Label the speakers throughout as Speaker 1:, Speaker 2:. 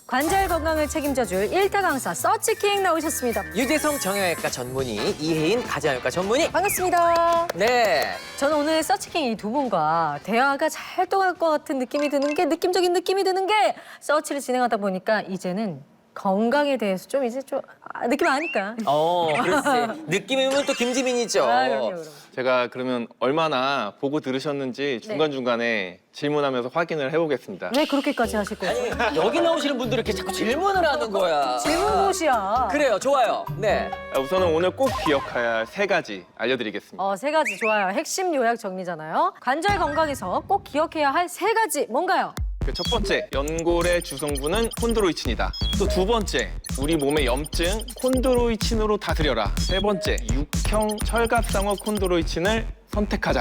Speaker 1: 관절 건강을 책임져줄 일타 강사 서치킹 나오셨습니다.
Speaker 2: 유재성 정형외과 전문의, 이혜인 가정외과 전문의.
Speaker 1: 반갑습니다.
Speaker 2: 네.
Speaker 1: 저는 오늘 서치킹 이 두 분과 대화가 잘 통할 것 같은 느낌이 드는 게 느낌적인 느낌이 드는 게 서치를 진행하다 보니까 이제는 건강에 대해서 좀 이제 좀 느낌 아니까.
Speaker 2: 그렇지. 느낌이면 또 김지민이죠.
Speaker 1: 그럼요.
Speaker 3: 제가 그러면 얼마나 보고 들으셨는지 중간중간에 질문하면서 확인을 해보겠습니다.
Speaker 1: 왜 그렇게까지 하실 거예요?
Speaker 2: 아니, 여기 나오시는 분들이 이렇게 자꾸 질문을 하는 거야.
Speaker 1: 질문봇이야.
Speaker 2: 그래요, 좋아요. 네.
Speaker 3: 우선은 오늘 꼭 기억해야 할 3가지 알려드리겠습니다.
Speaker 1: 세 가지 좋아요. 핵심 요약 정리잖아요. 관절 건강에서 꼭 기억해야 할 3가지 뭔가요?
Speaker 3: 첫 번째, 연골의 주성분은 콘드로이친이다. 또 2번째, 우리 몸의 염증 콘드로이친으로 다스려라. 3번째, 육형 철갑상어 콘드로이친을 선택하자.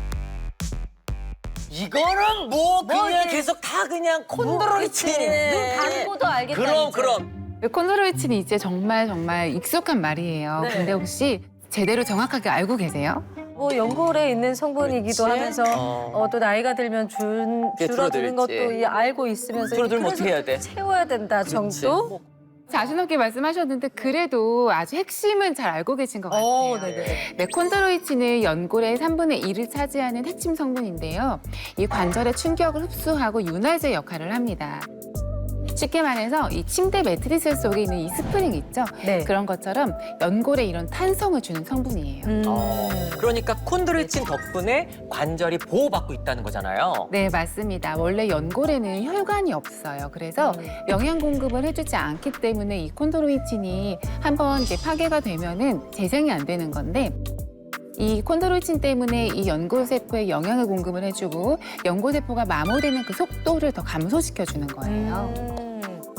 Speaker 2: 이거는 뭐 그냥
Speaker 1: 이게-
Speaker 2: 계속 다 그냥 콘드로이친이네.
Speaker 1: 눈 감고도 알겠다.
Speaker 2: 그럼,
Speaker 1: 이제.
Speaker 2: 그럼.
Speaker 4: 콘드로이친이 이제 정말 익숙한 말이에요.
Speaker 1: 네.
Speaker 4: 근데 혹시 제대로 정확하게 알고 계세요?
Speaker 1: 뭐 연골에 있는 성분이기도
Speaker 2: 그렇지.
Speaker 1: 하면서 또 나이가 들면
Speaker 2: 이게
Speaker 1: 줄어드는 것도
Speaker 2: 줄어들지.
Speaker 1: 알고 있으면서
Speaker 2: 줄어들면
Speaker 1: 그래서
Speaker 2: 어떻게 해야 돼?
Speaker 1: 채워야 된다 정도?
Speaker 4: 자신 없게 말씀하셨는데 그래도 아주 핵심은 잘 알고 계신 것 같아요.
Speaker 1: 네네.
Speaker 4: 네, 콘드로이친은 연골의 3분의 1을 차지하는 핵심 성분인데요. 이 관절의 충격을 흡수하고 윤활제 역할을 합니다. 쉽게 말해서 이 침대 매트리스 속에 있는 이 스프링 있죠?
Speaker 1: 네.
Speaker 4: 그런 것처럼 연골에 이런 탄성을 주는 성분이에요.
Speaker 2: 그러니까 콘드로이친 덕분에 관절이 보호받고 있다는 거잖아요.
Speaker 4: 네, 맞습니다. 원래 연골에는 혈관이 없어요. 그래서 영양 공급을 해주지 않기 때문에 이 콘드로이친이 한번 이제 파괴가 되면은 재생이 안 되는 건데 이 콘드로이친 때문에 이 연골세포에 영양을 공급을 해주고 연골세포가 마모되는 그 속도를 더 감소시켜주는 거예요.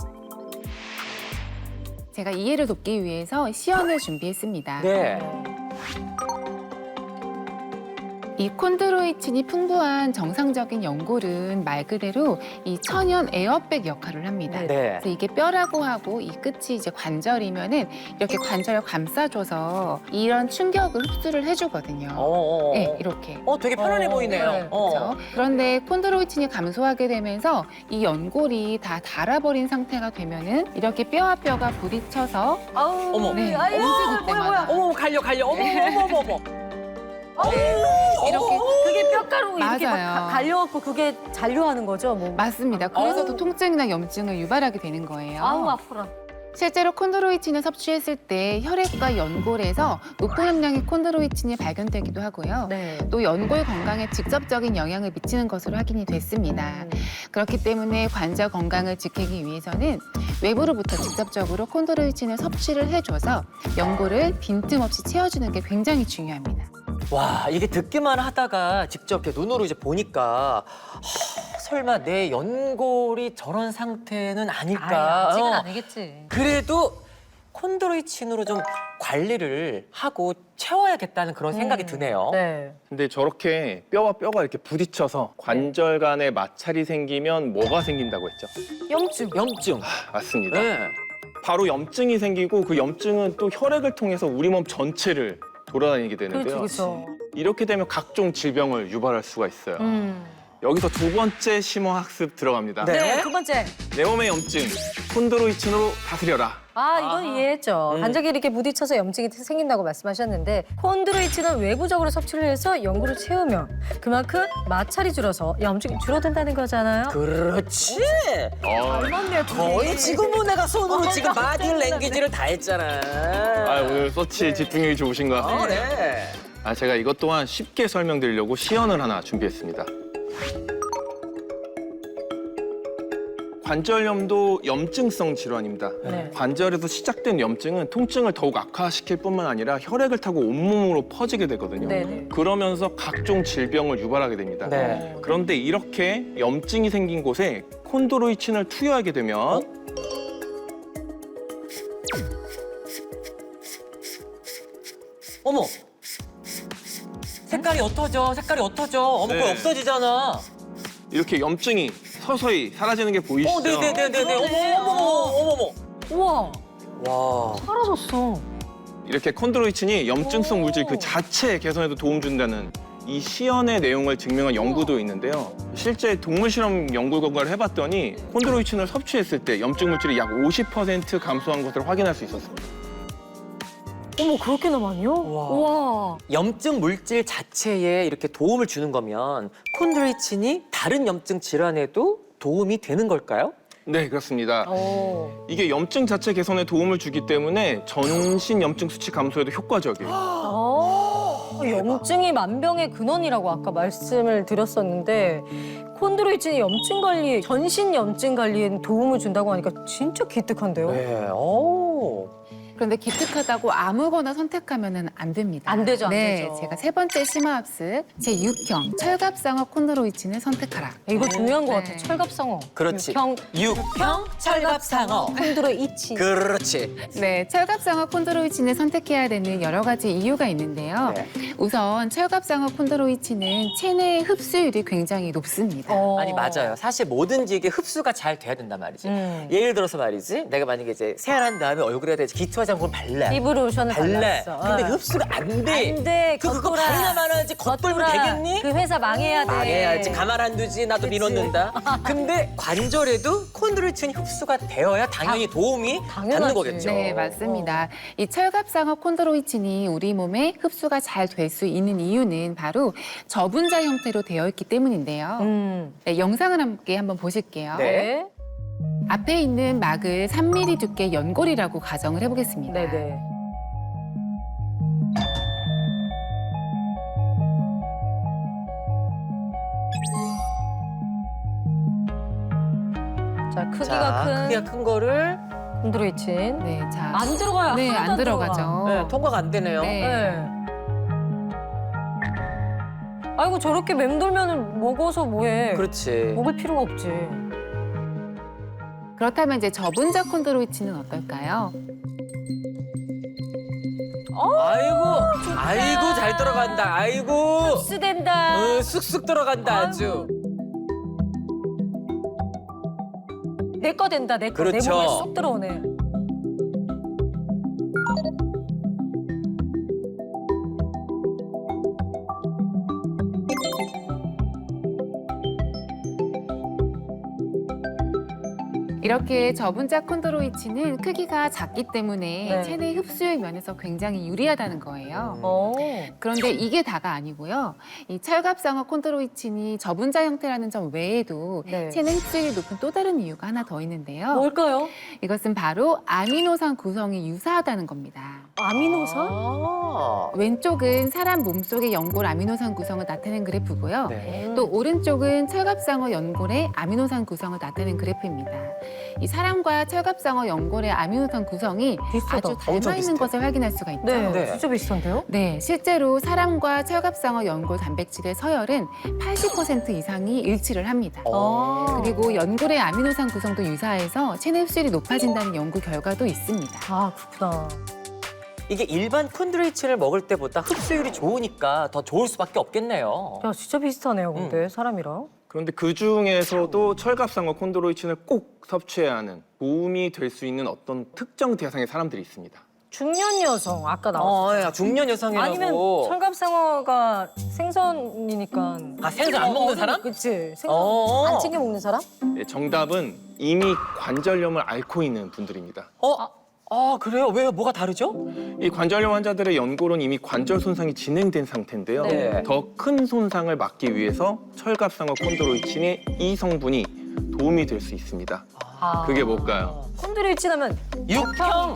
Speaker 4: 제가 이해를 돕기 위해서 시연을 준비했습니다.
Speaker 2: 네.
Speaker 4: 이 콘드로이친이 풍부한 정상적인 연골은 말 그대로 이 천연 에어백 역할을 합니다.
Speaker 2: 네.
Speaker 4: 그래서 이게 뼈라고 하고 이 끝이 이제 관절이면은 이렇게 관절을 감싸줘서 이런 충격을 흡수를 해주거든요. 네, 이렇게.
Speaker 2: 되게 편안해 보이네요.
Speaker 1: 네,
Speaker 4: 그렇죠? 그런데 콘드로이친이 감소하게 되면서 이 연골이 다 닳아버린 상태가 되면은 이렇게 뼈와 뼈가 부딪혀서
Speaker 1: 아우,
Speaker 2: 어머.
Speaker 4: 네,
Speaker 1: 아유,
Speaker 4: 움직일 때마다
Speaker 2: 어머, 갈려. 어머.
Speaker 4: 이렇게
Speaker 1: 그게 뼈가루 이렇게 막
Speaker 4: 맞아요.
Speaker 1: 갈려갖고 그게 잔류하는 거죠? 뭐.
Speaker 4: 맞습니다. 그래서
Speaker 2: 아우.
Speaker 4: 또 통증이나 염증을 유발하게 되는 거예요.
Speaker 1: 아우 아프라.
Speaker 4: 실제로 콘드로이친을 섭취했을 때 혈액과 연골에서 높은 함량의 콘드로이친이 발견되기도 하고요.
Speaker 1: 네.
Speaker 4: 또 연골 건강에 직접적인 영향을 미치는 것으로 확인이 됐습니다. 그렇기 때문에 관절 건강을 지키기 위해서는 외부로부터 직접적으로 콘드로이친을 섭취를 해줘서 연골을 빈틈없이 채워주는 게 굉장히 중요합니다.
Speaker 2: 와, 이게 듣기만 하다가 직접 이렇게 눈으로 이제 보니까 설마 내 연골이 저런 상태는 아닐까?
Speaker 1: 아직은 아니겠지.
Speaker 2: 그래도 콘드로이친으로 좀 관리를 하고 채워야겠다는 그런 생각이 드네요.
Speaker 1: 네.
Speaker 3: 근데 저렇게 뼈와 뼈가 이렇게 부딪혀서 관절 간에 마찰이 생기면 뭐가 생긴다고 했죠?
Speaker 1: 염증.
Speaker 2: 염증.
Speaker 3: 맞습니다.
Speaker 2: 네.
Speaker 3: 바로 염증이 생기고 그 염증은 또 혈액을 통해서 우리 몸 전체를 돌아다니게 되는데요.
Speaker 1: 그렇죠.
Speaker 3: 이렇게 되면 각종 질병을 유발할 수가 있어요. 여기서 2번째 심화학습 들어갑니다.
Speaker 2: 네.
Speaker 1: 네, 두 번째.
Speaker 3: 내 몸의 염증, 콘드로이친으로 다스려라.
Speaker 1: 이건 이해했죠. 관절이 이렇게 부딪혀서 염증이 생긴다고 말씀하셨는데 콘드로이친은 외부적으로 섭취를 해서 연골을 채우면 그만큼 마찰이 줄어서 염증이 줄어든다는 거잖아요.
Speaker 2: 그렇지.
Speaker 1: 맞네,
Speaker 2: 거의 지금 뭐 내가 손으로 지금 바디 랭귀지를 다 했잖아.
Speaker 3: 오늘 서치 집중력이 좋으신 것 같습니다.
Speaker 2: 네.
Speaker 3: 제가 이것 또한 쉽게 설명드리려고 시연을 하나 준비했습니다. 관절염도 염증성 질환입니다.
Speaker 1: 네.
Speaker 3: 관절에서 시작된 염증은 통증을 더욱 악화시킬 뿐만 아니라 혈액을 타고 온몸으로 퍼지게 되거든요.
Speaker 1: 네네.
Speaker 3: 그러면서 각종 질병을 유발하게 됩니다.
Speaker 2: 네.
Speaker 3: 그런데 이렇게 염증이 생긴 곳에 콘드로이친을 투여하게 되면
Speaker 2: 어머. 색깔이 어떠죠? 어머,
Speaker 3: 네.
Speaker 2: 그거 없어지잖아.
Speaker 3: 이렇게 염증이 서서히 사라지는 게 보이시죠?
Speaker 2: 네네네네네. 어머머머.
Speaker 1: 우와,
Speaker 2: 와.
Speaker 1: 사라졌어.
Speaker 3: 이렇게 콘드로이친이 염증성 물질 그 자체 개선에도 도움 준다는 이 시연의 내용을 증명한 연구도 있는데요. 실제 동물 실험 연구 결과를 해봤더니 콘드로이친을 섭취했을 때 염증 물질이 약 50% 감소한 것을 확인할 수 있었습니다.
Speaker 1: 어머 그렇게나 많이요?
Speaker 2: 우와.
Speaker 1: 우와.
Speaker 2: 염증 물질 자체에 이렇게 도움을 주는 거면 콘드로이친이 다른 염증 질환에도 도움이 되는 걸까요?
Speaker 3: 네, 그렇습니다.
Speaker 1: 오.
Speaker 3: 이게 염증 자체 개선에 도움을 주기 때문에 전신 염증 수치 감소에도 효과적이에요.
Speaker 1: 염증이 만병의 근원이라고 아까 말씀을 드렸었는데 콘드로이친이 염증 관리, 전신 염증 관리에 도움을 준다고 하니까 진짜 기특한데요?
Speaker 2: 네. 오.
Speaker 4: 그런데 기특하다고 아무거나 선택하면 안 됩니다.
Speaker 1: 안 되죠, 안
Speaker 4: 네,
Speaker 1: 되죠.
Speaker 4: 제가 세 번째 심화합습 제6형 철갑상어 콘드로이친을 선택하라.
Speaker 1: 이거 중요한 것
Speaker 4: 네.
Speaker 1: 같아. 철갑상어.
Speaker 2: 그렇지.
Speaker 1: 육형,
Speaker 2: 육형 철갑상어.
Speaker 1: 콘드로이친.
Speaker 2: 그렇지.
Speaker 4: 네, 철갑상어 콘드로이친을 선택해야 되는 여러 가지 이유가 있는데요.
Speaker 2: 네.
Speaker 4: 우선 철갑상어 콘드로이친은 체내 흡수율이 굉장히 높습니다.
Speaker 2: 아니 맞아요. 사실 뭐든지 이게 흡수가 잘 돼야 된단 말이지. 예를 들어서 말이지. 내가 만약에 이제 세안한 다음에 얼굴에다 이제 기초 화장품 발라.
Speaker 1: 입으로 로션을
Speaker 2: 발라.
Speaker 1: 발랐어.
Speaker 2: 근데 흡수가 안 돼.
Speaker 1: 안 돼.
Speaker 2: 그거
Speaker 1: 겉돌아.
Speaker 2: 바르나 말아야지. 겉돌면
Speaker 1: 겉돌아.
Speaker 2: 되겠니?
Speaker 1: 그 회사 망해야 돼.
Speaker 2: 망해야지. 가만 안 두지. 나도
Speaker 1: 그치.
Speaker 2: 밀어넣는다. 근데 관절에도 콘드로이친 흡수가 되어야 당연히 도움이
Speaker 1: 당연하지.
Speaker 2: 받는 거겠죠.
Speaker 4: 네, 맞습니다. 이 철갑상어 콘드로이친이 우리 몸에 흡수가 잘 될 수 있는 이유는 바로 저분자 형태로 되어 있기 때문인데요. 네, 영상을 함께 한번 보실게요.
Speaker 2: 네.
Speaker 4: 앞에 있는 막을 3mm 두께 연골이라고 가정을 해보겠습니다.
Speaker 1: 네네. 자, 크기가
Speaker 2: 자,
Speaker 1: 큰
Speaker 2: 크기가 큰 거를
Speaker 1: 콘드로이친.
Speaker 4: 네, 자.
Speaker 1: 안 들어가요.
Speaker 4: 네,
Speaker 1: 하나도
Speaker 4: 안
Speaker 1: 들어가.
Speaker 4: 들어가죠.
Speaker 2: 네, 통과가 안 되네요.
Speaker 4: 네.
Speaker 1: 네. 아이고 저렇게 맴돌면은 먹어서 뭐해?
Speaker 2: 그렇지.
Speaker 1: 먹을 필요가 없지.
Speaker 4: 그렇다면 이제 저분자 콘드로이친은 어떨까요?
Speaker 2: 아이고 잘 들어간다. 아이고.
Speaker 1: 흡수된다.
Speaker 2: 쑥쑥 들어간다 아주.
Speaker 1: 내 거 된다. 내 거. 내
Speaker 2: 그렇죠.
Speaker 1: 몸에 쏙 들어오네.
Speaker 4: 이렇게 저분자 콘드로이친은 크기가 작기 때문에
Speaker 1: 네.
Speaker 4: 체내 흡수율 면에서 굉장히 유리하다는 거예요.
Speaker 1: 어.
Speaker 4: 그런데 이게 다가 아니고요. 이 철갑상어 콘드로이친이 저분자 형태라는 점 외에도
Speaker 1: 네.
Speaker 4: 체내 흡수율이 높은 또 다른 이유가 하나 더 있는데요.
Speaker 1: 뭘까요?
Speaker 4: 이것은 바로 아미노산 구성이 유사하다는 겁니다.
Speaker 1: 아미노산?
Speaker 4: 왼쪽은 사람 몸속의 연골 아미노산 구성을 나타낸 그래프고요.
Speaker 2: 네.
Speaker 4: 또 오른쪽은 철갑상어 연골의 아미노산 구성을 나타낸 그래프입니다. 이 사람과 철갑상어 연골의 아미노산 구성이
Speaker 1: 비슷하다.
Speaker 4: 아주
Speaker 2: 엄청
Speaker 4: 닮아 있는
Speaker 2: 비슷해.
Speaker 4: 것을 확인할 수가 있죠.
Speaker 1: 네.
Speaker 2: 네.
Speaker 1: 진짜 비슷한데요?
Speaker 4: 네, 실제로 사람과 철갑상어 연골 단백질의 서열은 80% 이상이 일치를 합니다.
Speaker 1: 아.
Speaker 4: 그리고 연골의 아미노산 구성도 유사해서 체내 흡수율이 높아진다는 연구 결과도 있습니다.
Speaker 1: 아 그렇구나.
Speaker 2: 이게 일반 콘드로이친을 먹을 때보다 흡수율이 좋으니까 더 좋을 수밖에 없겠네요.
Speaker 1: 야 진짜 비슷하네요. 근데 사람이랑.
Speaker 3: 그런데 그 중에서도 철갑상어 콘드로이친을 꼭 섭취해야 하는 도움이 될 수 있는 어떤 특정 대상의 사람들이 있습니다.
Speaker 1: 중년 여성 아까 나왔어.
Speaker 2: 야, 중년 여성이라고.
Speaker 1: 아니면 철갑상어가 생선이니까.
Speaker 2: 아, 생선 안 먹는 사람?
Speaker 1: 그치. 생선
Speaker 2: 어.
Speaker 1: 안 챙겨 먹는 사람?
Speaker 3: 네, 정답은 이미 관절염을 앓고 있는 분들입니다.
Speaker 2: 그래요? 왜요? 뭐가 다르죠?
Speaker 3: 이 관절염 환자들의 연골은 이미 관절 손상이 진행된 상태인데요.
Speaker 2: 네.
Speaker 3: 더 큰 손상을 막기 위해서 철갑상어 콘드로이친의 이 성분이 도움이 될 수 있습니다. 그게 뭘까요?
Speaker 1: 콘드로이친 하면
Speaker 2: 육형.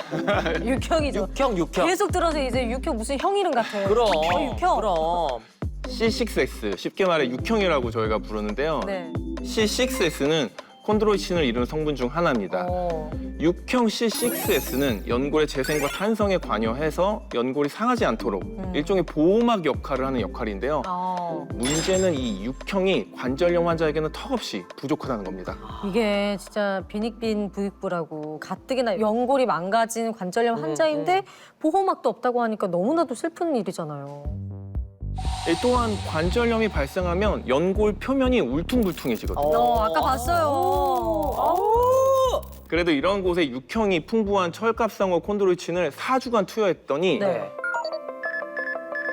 Speaker 1: 육형이죠.
Speaker 2: 육형.
Speaker 1: 계속 들어서 이제 육형 무슨 형 이름 같아.
Speaker 2: 그럼.
Speaker 1: 육형.
Speaker 2: 그럼.
Speaker 3: C6S, 쉽게 말해 육형이라고 저희가 부르는데요.
Speaker 1: 네.
Speaker 3: C6S는 콘드로이친을 이루는 성분 중 하나입니다. 육형 C6S는 연골의 재생과 탄성에 관여해서 연골이 상하지 않도록 일종의 보호막 역할을 하는 역할인데요. 문제는 이 육형이 관절염 환자에게는 턱없이 부족하다는 겁니다.
Speaker 1: 이게 진짜 빈익빈 부익부라고 가뜩이나 연골이 망가진 관절염 환자인데 보호막도 없다고 하니까 너무나도 슬픈 일이잖아요.
Speaker 3: 또한 관절염이 발생하면 연골 표면이 울퉁불퉁해지거든요.
Speaker 1: 아까 봤어요.
Speaker 3: 그래도 이런 곳에 육형이 풍부한 철갑상어 콘드로이친을 4주간 투여했더니
Speaker 1: 네.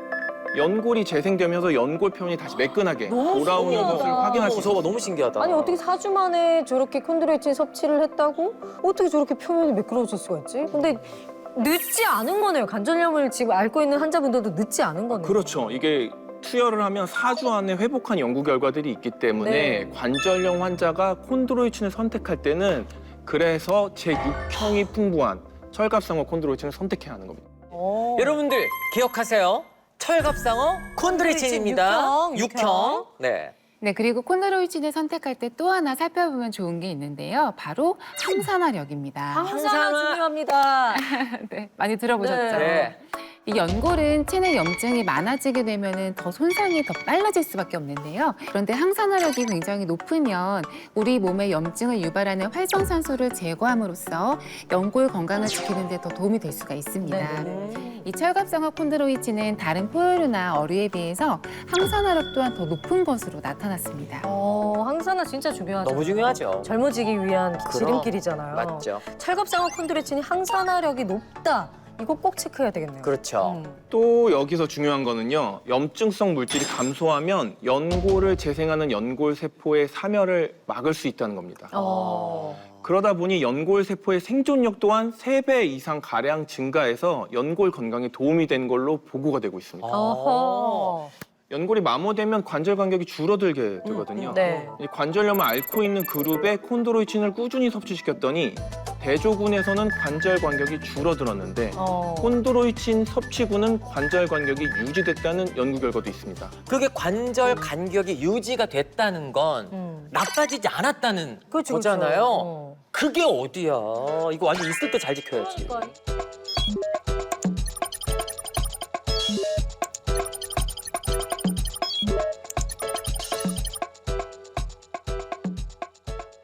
Speaker 3: 연골이 재생되면서 연골 표면이 다시 매끈하게
Speaker 1: 너무
Speaker 3: 돌아오는
Speaker 1: 신기하다.
Speaker 3: 것을 확인할 수 있어요.
Speaker 2: 저거 너무 신기하다.
Speaker 1: 아니 어떻게 4주 만에 저렇게 콘드로이친 섭취를 했다고? 어떻게 저렇게 표면이 매끄러워질 수가 있지? 근데 늦지 않은 거네요. 관절염을 지금 앓고 있는 환자분들도 늦지 않은 거네요.
Speaker 3: 그렇죠. 이게 투여를 하면 4주 안에 회복한 연구 결과들이 있기 때문에
Speaker 1: 네.
Speaker 3: 관절염 환자가 콘드로이친을 선택할 때는 그래서 제6형이 풍부한 철갑상어 콘드로이친을 선택해야 하는 겁니다.
Speaker 2: 여러분들 기억하세요. 철갑상어 콘드로이친입니다.
Speaker 1: 육형,
Speaker 2: 6형. 네.
Speaker 4: 네, 그리고 콘드로이친을 선택할 때 또 하나 살펴보면 좋은 게 있는데요. 바로 항산화력입니다.
Speaker 1: 항산화 중요합니다.
Speaker 4: 네, 많이 들어보셨죠?
Speaker 2: 네.
Speaker 4: 이 연골은 체내 염증이 많아지게 되면 더 손상이 더 빨라질 수밖에 없는데요. 그런데 항산화력이 굉장히 높으면 우리 몸에 염증을 유발하는 활성산소를 제거함으로써 연골 건강을 지키는 데 더 도움이 될 수가 있습니다.
Speaker 1: 네.
Speaker 4: 이 철갑상어 콘드로이친은 다른 포유류나 어류에 비해서 항산화력 또한 더 높은 것으로 나타났습니다.
Speaker 1: 항산화 진짜 중요하죠.
Speaker 2: 너무 중요하죠.
Speaker 1: 젊어지기 위한
Speaker 2: 그럼.
Speaker 1: 지름길이잖아요.
Speaker 2: 맞죠.
Speaker 1: 철갑상어 콘드로이친이 항산화력이 높다. 이거 꼭 체크해야 되겠네요.
Speaker 2: 그렇죠.
Speaker 3: 또 여기서 중요한 거는요. 염증성 물질이 감소하면 연골을 재생하는 연골 세포의 사멸을 막을 수 있다는 겁니다. 그러다 보니 연골 세포의 생존력 또한 3배 이상 가량 증가해서 연골 건강에 도움이 된 걸로 보고가 되고 있습니다.
Speaker 1: 어허.
Speaker 3: 연골이 마모되면 관절 간격이 줄어들게 되거든요.
Speaker 1: 네.
Speaker 3: 이 관절염을 앓고 있는 그룹에 콘드로이친을 꾸준히 섭취시켰더니 대조군에서는 관절 간격이 줄어들었는데 콘드로이친 섭취군은 관절 간격이 유지됐다는 연구 결과도 있습니다.
Speaker 2: 그게 관절 간격이 유지가 됐다는 건 나빠지지 않았다는
Speaker 1: 그렇죠,
Speaker 2: 거잖아요.
Speaker 1: 그렇죠.
Speaker 2: 그게 어디야? 이거 완전 있을 때 잘 지켜야지.